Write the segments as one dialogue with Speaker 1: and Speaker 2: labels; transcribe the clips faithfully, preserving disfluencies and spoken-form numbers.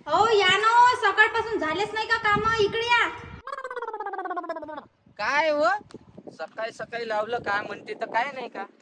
Speaker 1: हो या ना हो, सकाळपासून झालेच नाही का काम? इकडे या.
Speaker 2: काय हो सकाळी सकाळी लावलं काय म्हणते तर काय नाही का?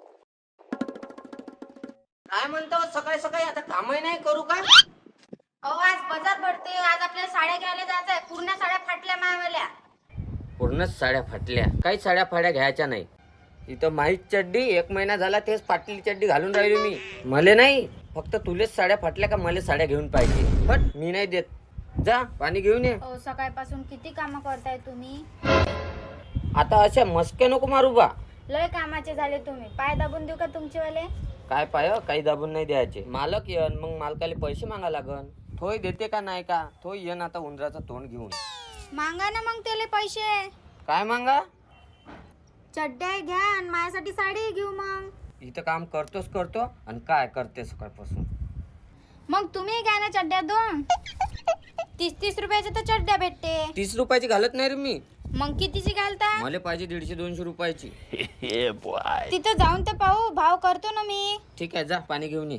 Speaker 2: काय म्हणतो सकाळी सकाळी आता कामही नाही करू का?
Speaker 1: अहो आज बाजार भरते, आज आपल्याला साड्या घ्यायला जायचं आहे. पूर्ण साड्या फाटल्या मायावाल्या.
Speaker 2: पूर्णच साड्या फाटल्या. काही साड्या फाड्या घ्यायच्या नाही. इथं माहीत चड्डी एक महिना झाला तेच फाटलेली चड्डी घालून राहिली मी. मले नाही फक्त तुलेच साड्या फाटल्या का मले साड्या घेऊन पाहिजे? हट मी नाही देत. जा पाणी घेऊन ये.
Speaker 1: अहो सकाळपासून किती काम करताय तुम्ही?
Speaker 2: आता अशा मस्के नको मारू बा.
Speaker 1: लय कामाचे झाले तुम्ही. पाय दाबून देऊ का तुमचेवाले?
Speaker 2: काय पाय काही दाबून नाही द्यायचे. मालक येन मग मालकाला पैसे मागा लागन. थोय देते का नाही का? थोय येन आता उंदराचं तोंड घेऊन.
Speaker 1: मागा ना मग त्याले पैसे.
Speaker 2: काय मागा?
Speaker 1: चड्ड्या घ्या आणि माझ्यासाठी साडी घेऊ मग.
Speaker 2: इथं काम करतोच करतो आणि काय करते सकाळपासून.
Speaker 1: मग तुम्ही घ्या ना चड्ड्या दोन. तीस तीस रुपयाच्या तर चड्ड्या भेटते.
Speaker 2: तीस रुपयाची घालत नाही रे मी.
Speaker 1: मग कितीची घालता?
Speaker 2: मला पाहिजे दीडशे दोनशे रुपयाची.
Speaker 1: तिथं जाऊन तर पाहू, भाव करतो ना मी.
Speaker 2: ठीक आहे जा पाणी घेऊन ये.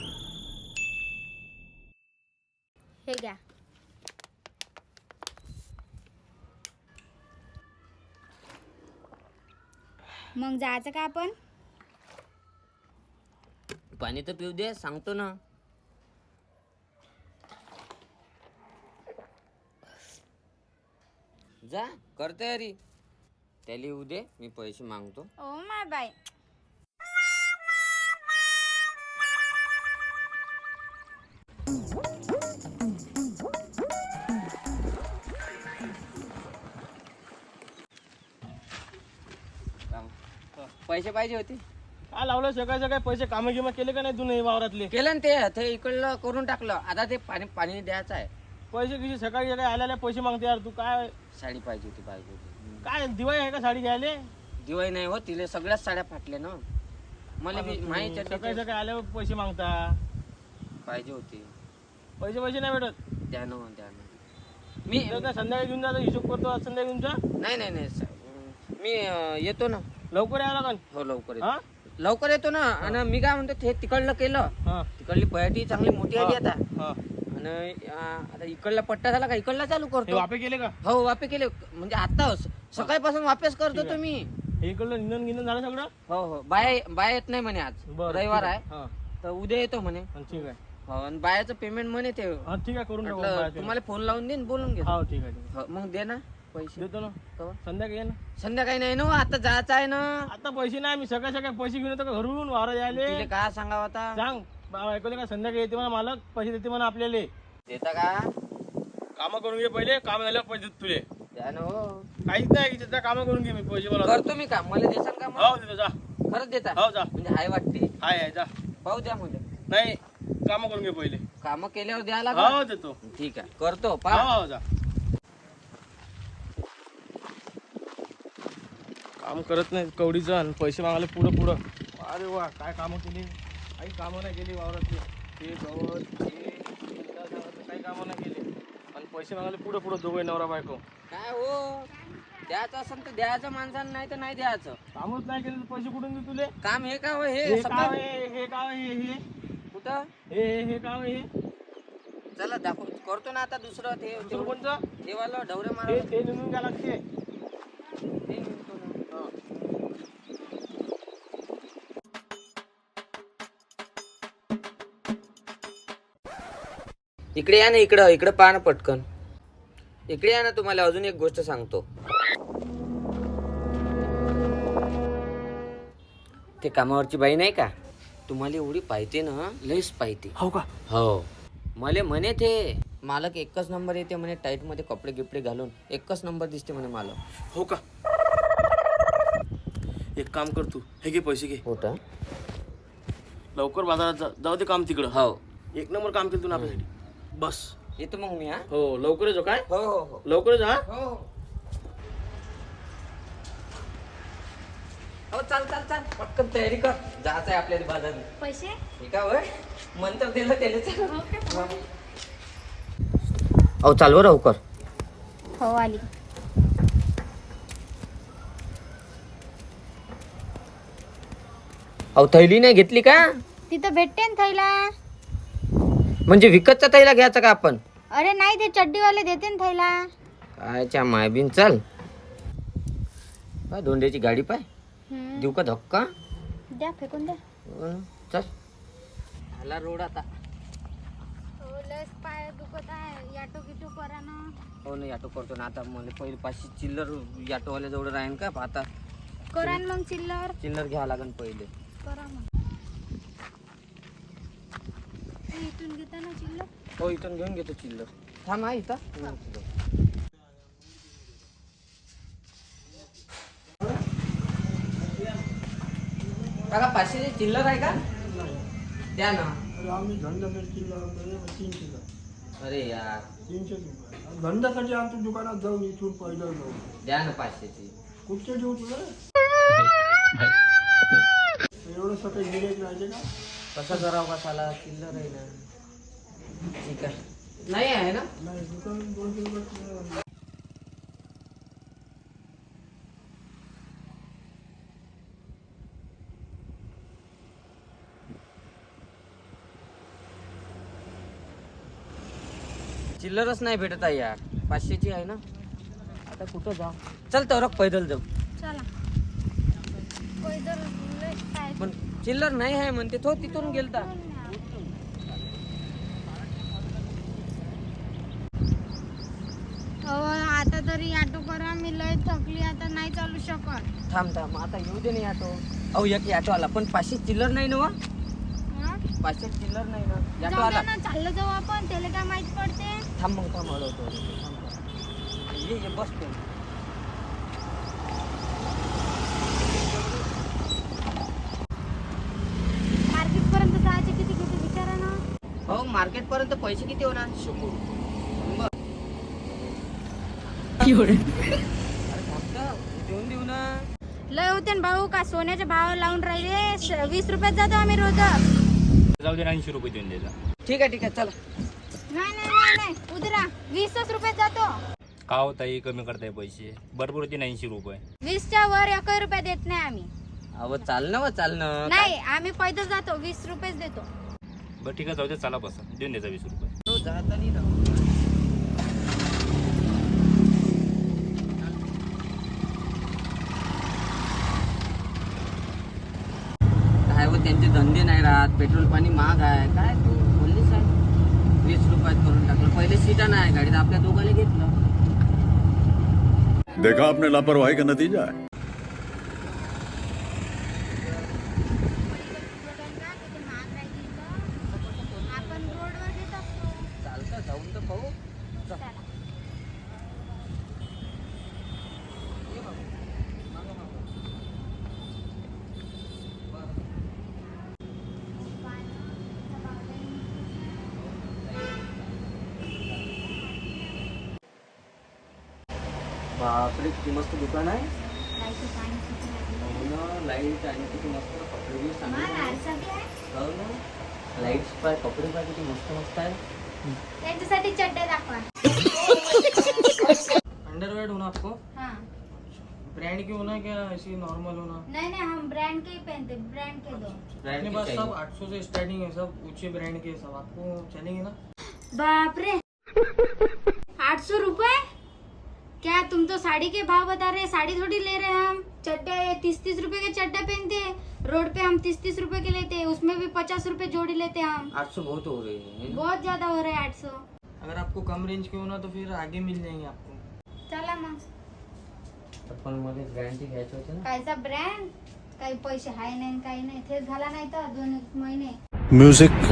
Speaker 1: हे घ्या. मग जायचं का आपण?
Speaker 2: पाणी तर पिऊ दे सांगतो ना. जा कर तयारी. त्याला येऊ दे मी पैसे मागतो.
Speaker 1: Oh my bye.
Speaker 2: पैसे पाहिजे होते.
Speaker 3: काय लावलं सकाळी सकाळी पैसे कामं गिमं केले का नाही तू नाही वावरातले?
Speaker 2: केलं ना ते ते इकडलं करून टाकलं. आता ते पाणी पाणी द्यायचं आहे.
Speaker 3: पैसे किती सकाळी सकाळी आल्याला पैसे मागते यार तू. काय
Speaker 2: साडी पाहिजे होती पाहिजे होती.
Speaker 3: काय दिवाळी आहे का साडी घ्यायला?
Speaker 2: दिवाळी नाही हो तिले सगळ्याच साड्या फाटल्या ना. मला बी माहिती
Speaker 3: सकाळी
Speaker 2: चड्डी
Speaker 3: सकाळी आल्यावर पैसे मागता.
Speaker 2: पाहिजे होती.
Speaker 3: पैसे पैसे नाही भेटत.
Speaker 2: द्या ना द्या ना. मी
Speaker 3: तर काय संध्याकाळी घेऊन जातो हिशोब करतो आज संध्याकाळी तुमचा.
Speaker 2: नाही नाही नाही स- मी अं, येतो ना.
Speaker 3: लवकर यावं लागन.
Speaker 2: हो लवकर
Speaker 3: हा
Speaker 2: येतो. लवकर येतो ना. आणि मी काय म्हणतो ते तिकडलं केलं.
Speaker 3: हा
Speaker 2: तिकडली पयाटी चांगली मोठी आली आता.
Speaker 3: हा.
Speaker 2: आणि अं, आता इकडला पट्टा झाला का इकडला चालू
Speaker 3: हे
Speaker 2: करतो.
Speaker 3: वापे केले का?
Speaker 2: हो वापे केले म्हणजे आता स- सकाळपासून वापस करतो
Speaker 3: ठीक आहे.
Speaker 2: तुम्ही.
Speaker 3: हे इकडलं निंदन गिंदन झालं सगळं?
Speaker 2: हो हो बाय बाय येत नाही म्हणे आज
Speaker 3: बरं,
Speaker 2: रविवार
Speaker 3: ठीक
Speaker 2: आहे.
Speaker 3: हा
Speaker 2: तर उद्या येतो म्हणे.
Speaker 3: हा, ठीक आहे.
Speaker 2: हो आणि बायाचं पेमेंट म्हणे ते.
Speaker 3: हा ठीक आहे करून टाकू.
Speaker 2: म्हटलं
Speaker 3: बाहेर ठेवू.
Speaker 2: तुम्हाला फोन लावून देईन बोलून घे.
Speaker 3: हा ठीक आहे ठीक
Speaker 2: हो, मग दे ना पैसे.
Speaker 3: आहे. देतो ना
Speaker 2: हो.
Speaker 3: संध्याकाळी ये ना.
Speaker 2: संध्याकाळी नाही ना आता जायचं आहे ना.
Speaker 3: आता पैसे नाही मी सकाळी सकाळी पैसे घेऊन येतो का घरून वावरात यायले?
Speaker 2: तिले काय सांगावं आता.
Speaker 3: सांग बाबा ऐकू दे का संध्याकाळी येते म्हणा मालक पैसे देते म्हणा आपल्याला.
Speaker 2: देता का?
Speaker 3: काम करून घे पहिले. काम झाल्यावर पैसे देतो तुले.
Speaker 2: द्या ना हो.
Speaker 3: काहीच नाही की काम करून घे मी पैसे बोला.
Speaker 2: करतो मी का मला देसान का मग?
Speaker 3: हो देतो जा.
Speaker 2: खरंच देता
Speaker 3: हो जा.
Speaker 2: म्हणजे हाय वाटते.
Speaker 3: हाय हाय जा.
Speaker 2: पाहू द्या म्हणजे
Speaker 3: नाही काम करून घे पहिले.
Speaker 2: काम केल्यावर द्यायला लागेल.
Speaker 3: हो देतो.
Speaker 2: ठीक आहे करतो पा.
Speaker 3: हो हो जा. काम करत नाही कवडीचं आणि पैसे मागायला पुढं पुढं. अरे वा काय कामं केली. काही कामं नाही केली वावरातली. ते गवत हे शेतात जायचं, काही कामं नाही केली आणि पैसे मागायला पुढं पुढं दोघे नवरा बायको.
Speaker 2: काय हो द्यायचं असेल तर द्यायचं माणसानं नाही तर नाही द्यायचं.
Speaker 3: कामच नाही केलं तर पैसे कुठून दे तुले?
Speaker 2: काम हे का हो
Speaker 3: हे
Speaker 2: हे
Speaker 3: काय
Speaker 2: सकाळ
Speaker 3: आहे, हे काय आहे, हे
Speaker 2: कुठं
Speaker 3: हे हे हे काय आहे, हे
Speaker 2: चला दाखव करतो ना आता दुसरं ते
Speaker 3: दुसरं कोणचं?
Speaker 2: ते वाला ढवरे मारा.
Speaker 3: हे ते निघून घ्या लागते.
Speaker 2: ते म्हणतो ना.
Speaker 3: हा.
Speaker 2: इकडे या ना इकडं इकडं पहा ना पटकन. इकडे या ना तुम्हाला अजून एक गोष्ट सांगतो. ते कामावरची बाई नाही का तुम्हाला एवढी पाहिजे ना लईच पाहिजे.
Speaker 3: हो का?
Speaker 2: हो मला म्हणे ते मालक एकच नंबर येते म्हणे टाईट मध्ये कपडे गिपडे घालून एकच नंबर दिसते म्हणे मालक.
Speaker 3: हो का? एक काम कर तू हे घे पैसे घे.
Speaker 2: होता
Speaker 3: लवकर बाजारात जा. जाऊ दे काम तिकडं.
Speaker 2: हो
Speaker 3: एक नंबर काम केलं तू ना आपल्यासाठी. बस
Speaker 2: येतो मग मी. हा
Speaker 3: हो लवकर येतो. काय
Speaker 2: हो हो हो
Speaker 3: लवकर जा.
Speaker 2: हो हो चाल चाल चाल पटकन तयारी कर जायचं आहे आपल्याला बाजारात.
Speaker 1: पैसे?
Speaker 2: हे का होय मंत्र दिलं त्याला. अहो चालव लवकर.
Speaker 1: हो आली.
Speaker 2: अहो थैली नाही घेतली का?
Speaker 1: तिथं भेटते ना थैला.
Speaker 2: म्हणजे विकतचा थैला घ्यायचा का आपण?
Speaker 1: अरे नाही, ते चड्डीवाले देते ना थैला.
Speaker 2: कायच्या मायबीन चल. पाय धोंड्याची गाडी पाय.
Speaker 1: हम्म.
Speaker 2: देऊ का धक्का?
Speaker 1: द्या, फेकून द्या.
Speaker 2: अं, चल आला रोड आता.
Speaker 1: हो, लस पाय दुखत आहे. याटो गिटो करा ना.
Speaker 2: हो नाही ऑटो करतो ना आता. मला पहिले पाचशे चिल्लर ऑटोवाल्या जवळ राहीन का आता.
Speaker 1: करा ना मग चिल्लर.
Speaker 2: चिल्लर घ्यावं लागेल पहिले.
Speaker 1: करा मग. हे इथून घेता ना चिल्लर.
Speaker 2: हो इथून घेऊन घेतो चिल्लर. थांब हा इथं. काका पाचशे चिल्लर आहे का? द्या ना.
Speaker 4: आम्ही धंद्यासाठी चिल्लर तीनशे
Speaker 2: अरे यार
Speaker 4: तीनशे रुपये धंद्यासाठी आमच्या दुकानात जाऊन इथून पहिलं जाऊ.
Speaker 2: द्या ना पाचशेची.
Speaker 4: कुठचे देऊ तुला एवढं सकाळी गिऱ्हाईक राहिले का?
Speaker 2: कसं करावं कसाला चिल्लर आहे ना. ठीक आहे. नाही आहे ना.
Speaker 4: नाही दुकान दोनशे रुपये.
Speaker 2: चिल्लरच नाही भेटत आहे यार. पाचशेची आहे ना. आता कुठं जाऊ? चल तर पैदल जाऊ.
Speaker 1: चला. पैदल लस पाय.
Speaker 2: पण चिल्लर नाही आहे म्हणते तो. तिथून गेलता.
Speaker 1: हो, आता तरी ऑटो करा. मी लय थकली, आता नाही चालू शकत.
Speaker 2: थांब थांब आता येऊ दे नाही ऑटो. अहो एक ऑटो आला पण पाचशे चिल्लर नाही ना वा.
Speaker 1: हा?
Speaker 2: पाचशे चिल्लर नाही ना. ऑटो
Speaker 1: जाऊ
Speaker 2: आला.
Speaker 1: द्या ना, चाललं जाऊ आपण. त्याला काय माहित पडते.
Speaker 2: थांब मग थांब हळवतो. ये ये बस तू.
Speaker 1: मार्केट पर्यंत जायचे किती किती विचारा ना.
Speaker 2: हो मार्केट पर्यंत पैसे किती होणार? शंभर. अरे थांब तर. देऊन देऊ ना.
Speaker 1: लय होते ना भाऊ. का सोन्याचे भाव लावून राहिले. श- वीस रुपयात जातो आम्ही रोज.
Speaker 3: जाऊ दे ऐंशी रुपये देऊन द्यायचा.
Speaker 2: ठीक आहे ठीक आहे चला.
Speaker 1: नाही नाही नाही नाही उतरा. वीसच रुपयात जातो.
Speaker 3: का हो ताई कमी करताय पैसे? बरोबर होते ऐंशी रुपये.
Speaker 1: वीसच्या वर एक रुपया देत नाही आम्ही.
Speaker 2: अहो चालणं व चालणं.
Speaker 1: नाही, आम्ही पैदल जातो. वीस रुपयेच देतो.
Speaker 3: बरं ठीक आहे जाऊ दे चला बसा देऊन द्यायचा वीस रुपये.
Speaker 2: तो जाता नाही ना. काय व त्यांचे धंदे नाही राहत. पेट्रोल पाणी महाग आहे. काय तू बोललीस आहे वीस रुपयात करून टाकलं. पहिले सीटा नाही गाडीत. आपल्या दोघांना घेतलं.
Speaker 5: देखा आपने लापरवाही का नतीजा है.
Speaker 1: आपण रोडवर देत असतो.
Speaker 2: चालतं जाऊन तर पाहू. चल.
Speaker 1: चला.
Speaker 2: ये बाबा. मागं मागं. बापरे किती मस्त दुकान आहे.
Speaker 1: लाईटचं पाणी किती लागलं.
Speaker 2: हो ना लाईट आणि किती मस्त कपडे बी
Speaker 1: मला
Speaker 2: चांगले.
Speaker 1: लाडसाठी आहे.
Speaker 2: हो ना लाईट्स पाय कपडे पाय किती मस्त मस्त आहे.
Speaker 1: त्यांच्यासाठी चड्ड्या दाखवा.
Speaker 3: अंडरवेयर होना आपको?
Speaker 1: हाँ.
Speaker 3: ब्रांड की होना क्या ऐसी नॉर्मल होना?
Speaker 1: नहीं नहीं, हम ब्रांड के ही पहनते. ब्रांड के दो.
Speaker 2: ब्रांड
Speaker 3: अपने
Speaker 2: की
Speaker 3: पास
Speaker 2: चाहिए.
Speaker 3: सब आठ सौ से स्टार्टिंग है, सब ऊंचे ब्रांड के सब आपको चलेंगे ना?
Speaker 1: बाप रे. आठ सौ रुपए? क्या तुम तो साड़ी के भाव बता रहे हैं. साड़ी थोड़ी ले रहे हैं हम. चड्डा ये तीस तीस रुपए के चड्डा पहनते हैं. रोड पे हम तीस तीस रुपए के लेते हैं. उसमें भी पचास रुपए जोड़ी लेते हैं हम.
Speaker 2: आठ सौ बहुत हो रही है.
Speaker 1: बहुत ज्यादा हो रहा है आठ सौ.
Speaker 3: अगर आपको कम रेंज के होना तो फिर आगे मिल जाएंगे आपको.
Speaker 1: चला मग.
Speaker 2: पण मध्ये गॅरंटी घ्यायची होती ना.
Speaker 1: कायचा ब्रँड. काही पैसे हाय नाही काही नाही. तेच घाला नाही तर दोन एक महिने.
Speaker 5: म्यूजिक.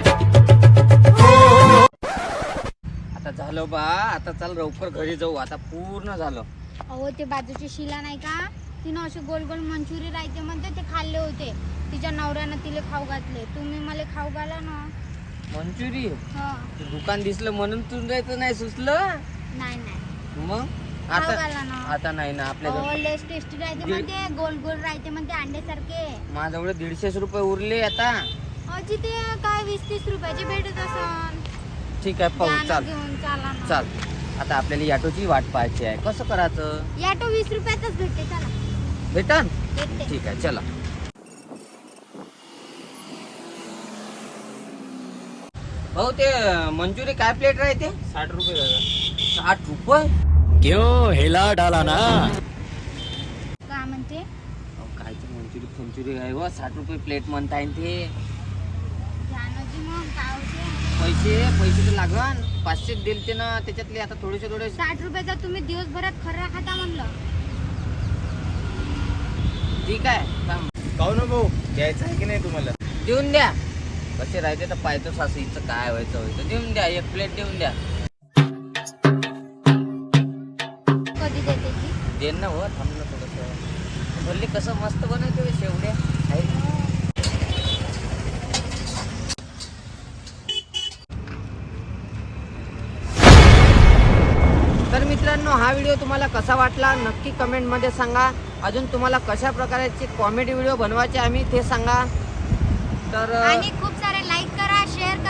Speaker 2: आता झालं बा. आता चल लवकर घरी जाऊ. आता पूर्ण झालं.
Speaker 1: अहो ते बाजूची शिला नाही का, तिनं असे गोल गोल मंचुरी राहते म्हणते, ते खाल्ले होते. तिच्या नवऱ्यानं तिले खाऊ घातले. तुम्ही मला खाऊ घाला ना.
Speaker 2: मंचुरी
Speaker 1: हा.
Speaker 2: ते दुकान दिसलं म्हणून तू जायचं नाही सुचलं.
Speaker 1: नाही नाही,
Speaker 2: मग
Speaker 1: खाऊ
Speaker 2: आता
Speaker 1: घाला ना.
Speaker 2: आता नाही ना आपल्या
Speaker 1: अहो
Speaker 2: जवळ.
Speaker 1: लेस टेस्टी राहते म्हणते. गोल गोल राहते म्हणते अंड्यासारखे.
Speaker 2: माझ्याजवळ दीडशेच रुपये उरले आता.
Speaker 1: अजी ते काय वीस तीस रुपयाचे भेटत असन.
Speaker 2: ठीक आहे पाहू.
Speaker 1: द्या ना
Speaker 2: चाल
Speaker 1: घेऊन चला ना.
Speaker 2: चाल. आता आपल्याला ऑटोची वाट पाहायची आहे. कसं करायचं?
Speaker 1: याटो वीस रुपयातच भेटते. चला
Speaker 2: भेटन.
Speaker 1: भेटते.
Speaker 2: ठीक आहे चला. भाऊ ते मंचुरी काय प्लेट राहते?
Speaker 3: साठ रुपये दादा.
Speaker 2: साठ रुपये
Speaker 5: क्यों हिला डाला ना?
Speaker 1: का म्हणते
Speaker 2: अहो, कायचं मंचुरी फंचुरी आहे व साठ रुपये प्लेट म्हणताय ते.
Speaker 1: जानोजी मग काय होते
Speaker 2: पैसे पैसे तर लागन पाचशे दिलते ना त्याच्यातले आता थोडेसे थोडे.
Speaker 1: साठ रुपयाचा तुम्ही दिवसभरात खर्रा खाता म्हणलं.
Speaker 2: ठीक आहे थांब.
Speaker 3: काहून ना भाऊ द्यायचं आहे की नाही तुम्हाला?
Speaker 2: देऊन द्या. कसे राहते तर पाहतो सासूचं काय व्हायचं व्हायचं. देऊन द्या एक प्लेट देऊन द्या.
Speaker 1: कधी देते ती?
Speaker 2: देन ना हो थांब ना थोडंसं. भरली कसं मस्त बनवते शेवड्या आहे. तर मित्रांनो हा व्हिडिओ तुम्हाला कसा वाटला नक्की कमेंटमध्ये सांगा. अजून तुम्हाला कशा प्रकारचे कॉमेडी व्हिडिओ बनवायचे आम्ही ते सांगा. तर
Speaker 1: आणि खूप सारे लाईक करा शेअर